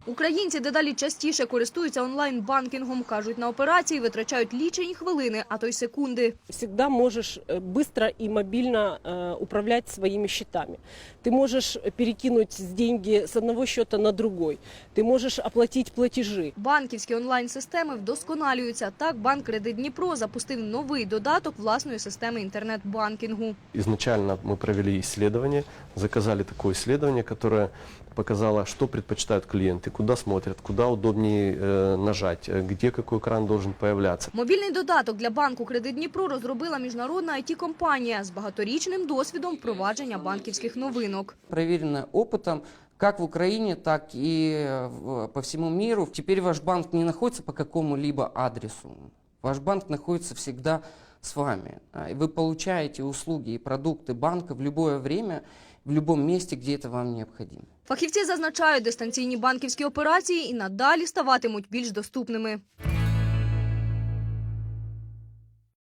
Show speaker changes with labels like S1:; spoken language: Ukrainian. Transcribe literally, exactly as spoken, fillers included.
S1: Українці дедалі частіше користуються онлайн-банкінгом. Кажуть, на операції витрачають лічені хвилини, а то й секунди.
S2: Всегда можешь быстро и мобильно управлять своими счетами. Ты можешь перекинуть деньги с одного счета на другой. Ты можешь оплатить платежи.
S1: Банківські онлайн-системи вдосконалюються. Так, банк «Кредит Дніпро» запустив новий додаток власної системи інтернет-банкінгу.
S3: Изначально мы провели исследование, заказали такое исследование, которое показало, что предпочитают клиенты, куда смотрят, куда удобнее э, нажать, где какой экран должен появляться.
S1: Мобільний додаток для банку «Кредит Дніпро» розробила міжнародна ай ті-компанія з багаторічним досвідом впровадження банківських новинок.
S4: Проверено опытом как в Украине, так и по всему миру. Теперь ваш банк не находится по какому-либо адресу. Ваш банк находится всегда с вами. Вы получаете услуги и продукты банка в любое время, в любом месте, где это вам необходимо.
S1: Фахівці зазначають, дистанційні банківські операції і надалі ставатимуть більш доступними.